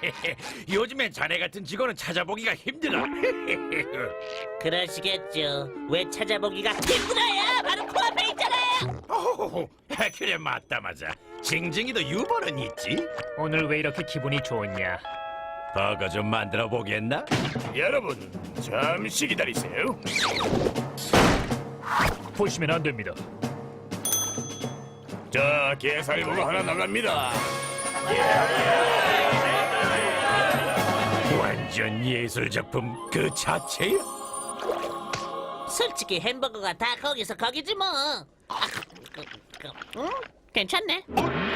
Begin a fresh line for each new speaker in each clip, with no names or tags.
요즘엔 자네 같은 직원은 찾아보기가 힘들어.
그러시겠죠. 왜 찾아보기가 힘들어요? 바로 코앞에 있잖아요.
호호호, 그래 맞다 맞아. 징징이도 유머는 있지.
오늘 왜 이렇게 기분이 좋냐?
버거 좀 만들어 보겠나?
여러분, 잠시 기다리세요.
보시면 안 됩니다.
자, 게살버거 하나 나갑니다.
완전 예술 작품 그 자체야.
솔직히 햄버거가 다 거기서 거기지 뭐. 응? 괜찮네.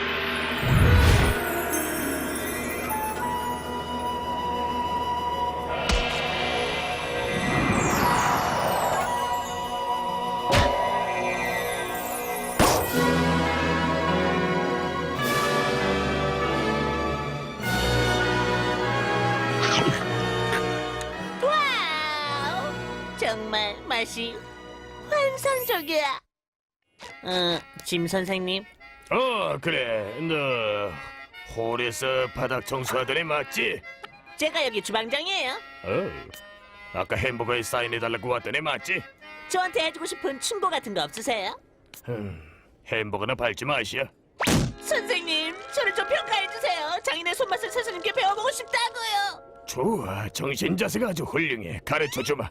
와우! 정말 맛이 환상적이야. 짐 선생님.
그래. 너 홀에서 바닥 청소하던 애 맞지?
제가 여기 주방장이에요.
아까 햄버거에 사인해달라고 왔던 애 맞지?
저한테 해주고 싶은 충고 같은 거 없으세요?
햄버거나 밟지 마시오.
선생님, 저를 좀 평가해주세요. 장인의 손맛을 스스님께 배워보고 싶다고요.
좋아, 정신 자세가 아주 훌륭해. 가르쳐주마.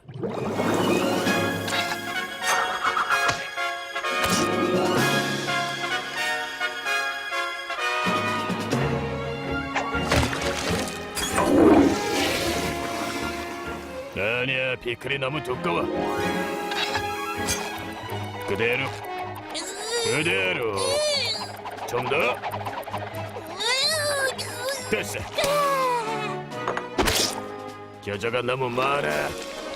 아니야, 피클이 너무 두꺼워. 그대로, 그대로. 좀 더. 됐어. 겨자가 너무 많아.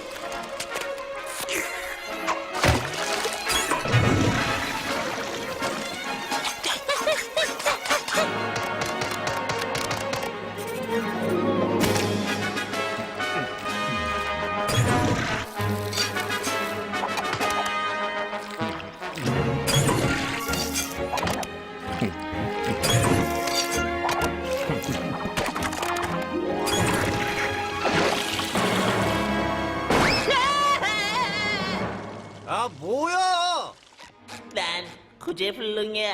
아 뭐야?
난 구제불능이야.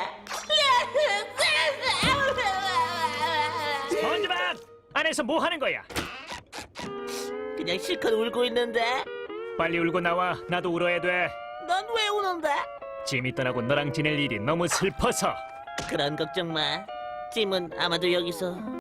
스펀지밥! 안에서 뭐 하는 거야?
그냥 실컷 울고 있는데.
빨리 울고 나와. 나도 울어야 돼.
넌 왜 우는데?
짐이 떠나고 너랑 지낼 일이 너무 슬퍼서.
그런 걱정 마. 짐은 아마도 여기서